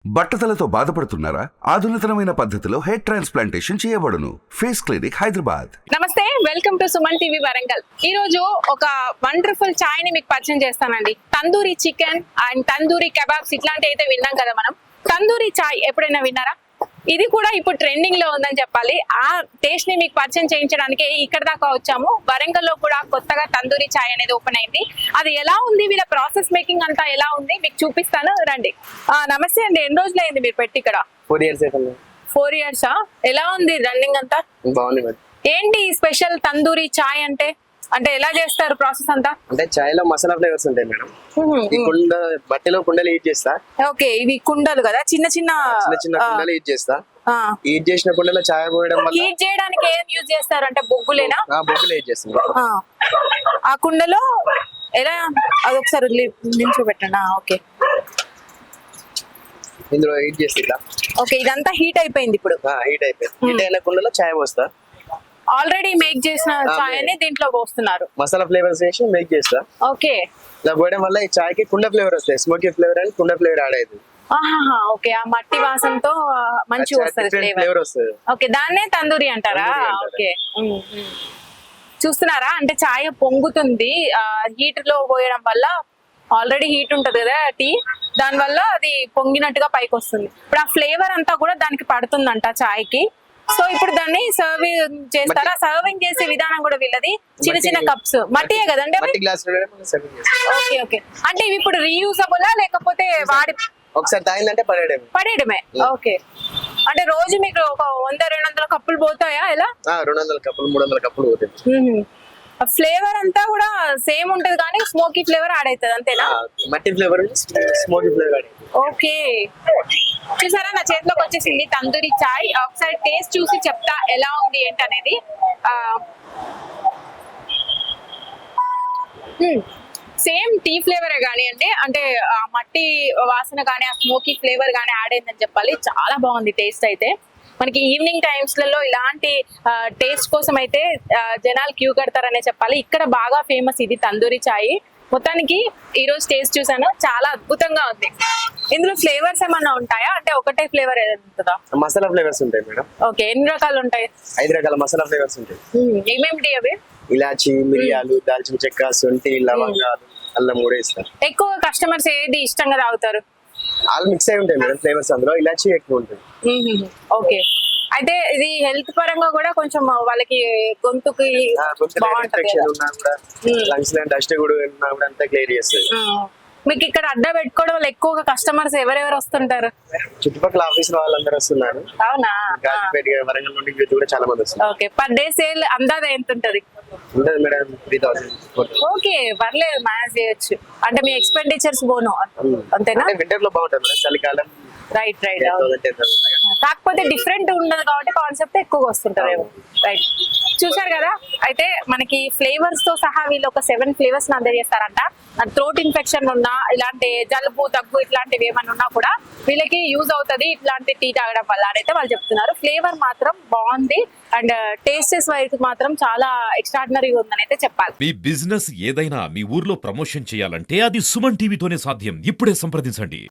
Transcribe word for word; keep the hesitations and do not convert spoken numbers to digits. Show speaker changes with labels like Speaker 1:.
Speaker 1: బట్టతలతో బాధపడుతున్నారా? ఆధునితనమైన పద్ధతిలో హెయిర్ ట్రాన్స్ప్లాంటేషన్ చేయబడును. Face clinic Hyderabad.
Speaker 2: నమస్తే, welcome to Suman TV Warangal. ఈ రోజు ఒక వండర్ఫుల్ చాయ్ ని మీకు పరిచయం చేస్తానండి. Tandoori chicken and tandoori kebabs ఇట్లాంటి అయితే విన్నాం కదా మనం. తందూరి చాయ్ ఎప్పుడైనా విన్నారా? ఇది కూడా ఇప్పుడు ట్రెండింగ్ లో ఉందని చెప్పాలి. ఆ టేస్ట్ ని మీకు పరిచయం చేయించడానికి ఇక్కడ దాకా వచ్చాము. వరంగల్ లో కూడా కొత్తగా తందూరి చాయ్ అనేది ఓపెన్ అయింది. అది ఎలా ఉంది, వీళ్ళ ప్రాసెస్ మేకింగ్ అంతా ఎలా ఉంది మీకు చూపిస్తాను, రండి. ఆ నమస్తే అండి, ఎన్ని రోజులు అయింది మీరు పెట్టి ఇక్కడ?
Speaker 3: ఫోర్ ఇయర్స్ అయిపోయింది.
Speaker 2: ఫోర్ ఇయర్స్ ఎలా ఉంది రన్నింగ్ అంతా?
Speaker 3: బాగుంది మరి.
Speaker 2: ఏంటి స్పెషల్ తందూరి చాయ్ అంటే? అంటే ఎలా చేస్తారు ప్రాసెస్ అంతా?
Speaker 3: అంటే చాయ్ లో మసాలా ఫ్లేవర్స్ ఉంటాయి మేడం. ఈ కుండ బట్టలో కుండలు హీట్ చేస్తా.
Speaker 2: ఓకే, ఇవి కుండలు కదా, చిన్న చిన్న
Speaker 3: చిన్న చిన్న కుండలు హీట్ చేస్తా. హీట్ చేసిన కుండలో చాయ్ పోయడం వల్ల
Speaker 2: హీట్ చేయడానికి ఏం యూజ్ చేస్తారు అంటే బొగ్గులేనా?
Speaker 3: బొగ్గులు హీట్ చేస్తాం.
Speaker 2: ఆ కుండలో ఎలా అదొకసారి నిల్చోబెట్టండి. ఓకే,
Speaker 3: ఇందులో హీట్ చేస్తా.
Speaker 2: ఓకే, ఇదంతా హీట్ అయిపోయింది. ఇప్పుడు
Speaker 3: హీట్ అయిపోయింది. హీట్ అయిన కుండలో చాయ్ పోస్తా.
Speaker 2: ఆల్రెడీ మేక్ చేసిన చాయ్ ని దీంట్లో పోస్తున్నారు.
Speaker 3: మసాలా ఫ్లేవర్స్ వేసి మేక్ చేస్తా.
Speaker 2: ఓకే,
Speaker 3: ఇలా పోయడం వల్ల ఈ చాయ్ కి కుండ ఫ్లేవర్ వస్తాయి. స్మోకీ ఫ్లేవర్ అని కుండ ఫ్లేవర్ యాడ్ అవుతుంది.
Speaker 2: ఓకే, ఆ మట్టి వాసనతో మంచి వస్తుంది
Speaker 3: ఫ్లేవర్ వస్తుంది.
Speaker 2: ఓకే, దాన్నే తందూరి అంటారా? ఓకే, చూస్తున్నారా అంటే చాయ్ పొంగుతుంది హీట్ లో పోయడం వల్ల. ఆల్రెడీ హీట్ ఉంటది కదా టీ, దాని వల్ల అది పొంగినట్టుగా పైకి వస్తుంది. ఇప్పుడు ఆ ఫ్లేవర్ అంతా కూడా దానికి పడుతుందంట చాయ్ కి. సో ఇప్పుడు దాన్ని సర్వింగ్ చేస్తారా? సర్వింగ్ చేసే విధానం కూడా వీళ్ళది. చిన్న చిన్న కప్స్ మట్టియే కదండి? ఓకే ఓకే, అంటే ఇవి ఇప్పుడు రీయూజబుల్ లేకపోతే వాడి
Speaker 3: ఒకసారి తాగిందంటే పడేయడమే?
Speaker 2: పడేయడమే. ఓకే, అంటే రోజు మీకు ఒక వంద రెండు వందల కప్పులు పోతాయా? ఎలా?
Speaker 3: రెండు వందల కప్పులు మూడు వందల కప్పులు పోతాయి.
Speaker 2: ఫ్లేవర్ అంతా కూడా సేమ్ ఉంటది కానీ స్మోకీ ఫ్లేవర్ యాడ్ అవుతుంది, అంతేనా?
Speaker 3: మట్టి ఫ్లేవర్ స్మోకీ ఫ్లేవర్.
Speaker 2: ఓకే, చూసారా నా చేతిలోకి వచ్చేసింది తందూరి చాయ్. ఒకసారి టేస్ట్ చూసి చెప్తా ఎలా ఉంది ఏంటి అనేది. సేమ్ టీ ఫ్లేవరే కానివ్వండి, అంటే ఆ మట్టి వాసన కానీ ఆ స్మోకీ ఫ్లేవర్ కానీ యాడ్ అయిందని చెప్పాలి. చాలా బాగుంది టేస్ట్ అయితే. మనకి ఈవినింగ్ టైమ్స్ లలో ఇలాంటి టేస్ట్ కోసం అయితే జనాలు క్యూ కడతారనే చెప్పాలి. ఇక్కడ బాగా ఫేమస్ ఇది తందూరి చాయ్. మొత్తానికి ఈ రోజు టేస్ట్ చూసాను, చాలా అద్భుతంగా ఉంది. ఇందులో ఫ్లేవర్స్ ఏమన్నా ఉంటాయా? అంటే ఒకటే ఫ్లేవర్ ఉంటుందా?
Speaker 3: మసాలా ఫ్లేవర్స్ ఉంటాయి మేడం.
Speaker 2: ఓకే, ఎన్ని రకాలు ఉంటాయి?
Speaker 3: ఐదు రకాల మసాలా ఫ్లేవర్స్ ఉంటాయి.
Speaker 2: ఏమేమిటి అవి?
Speaker 3: ఇలాచి, మిరియాలు, దాల్చిన చెక్క, శొంఠి, లవంగాలు, అల్లం కూడా ఇస్తారు.
Speaker 2: ఎక్కువ కస్టమర్స్ ఏది ఇష్టంగా తాగుతారు?
Speaker 3: ఆల్ మిక్స్ అయి ఉంటాయి మేడం ఫ్లేవర్స్. అందులో ఇలాచి ఎక్కువ ఉంటుంది.
Speaker 2: ఓకే, అయితే ఇది హెల్త్ పరంగా కూడా కొంచెం వాళ్ళకి గొంతుకి బాగుంటది.
Speaker 3: లంగ్స్ లో డస్ట్ కూడా అంతా క్లియర్ చేస్తుంది.
Speaker 2: మీకు ఇక్కడ అడ్డా పెట్టుకోవడం వల్ల ఎక్కువగా కస్టమర్స్ ఎవరెవరు వస్తుంటారు?
Speaker 3: చుట్టుపక్కల ఆఫీస్ వాళ్ళందరూ వస్తున్నారు.
Speaker 2: అవునా?
Speaker 3: గాజుపేట, వరంగల్ నుండి కూడా చాలా మంది వస్తున్నారు.
Speaker 2: ఓకే, పర్ డే సేల్ అందాజ ఎంత ఉంటది?
Speaker 3: ఉంటది మేడం త్రీ థౌసండ్.
Speaker 2: ఓకే, పర్లేదు, మేనేజ్ చేయొచ్చు. అంటే మీ ఎక్స్పెండిచర్స్ పోను, అంతేనా?
Speaker 3: వింటర్ లో బాగుంటుంది మేడం, చలికాలం.
Speaker 2: రైట్ రైట్, కాకపోతే డిఫరెంట్ ఉండదు కాబట్టి కాన్సెప్ట్ ఎక్కువగా వస్తుంటారేమో. రైట్, చూసారు కదా. అయితే మనకి ఫ్లేవర్స్ తో సహా వీళ్ళు ఒక సెవెన్ ఫ్లేవర్స్ అందజేస్తారంట. థ్రోట్ ఇన్ఫెక్షన్ ఉన్నా, ఇలాంటి జలుబు దగ్గు ఇట్లాంటివి ఏమైనా ఉన్నా కూడా వీళ్ళకి యూజ్ అవుతుంది ఇట్లాంటి టీ తాగడం వల్ల అయితే వాళ్ళు చెప్తున్నారు. ఫ్లేవర్ మాత్రం బాగుంది అండ్ టేస్టెస్ వైపు మాత్రం చాలా ఎక్స్ట్రాడినరీగా ఉందని అయితే చెప్పాలి.
Speaker 4: మీ బిజినెస్ ఏదైనా మీ ఊర్లో ప్రమోషన్ చేయాలంటే అది సుమన్ టీవీతోనే సాధ్యం. ఇప్పుడే సంప్రదించండి.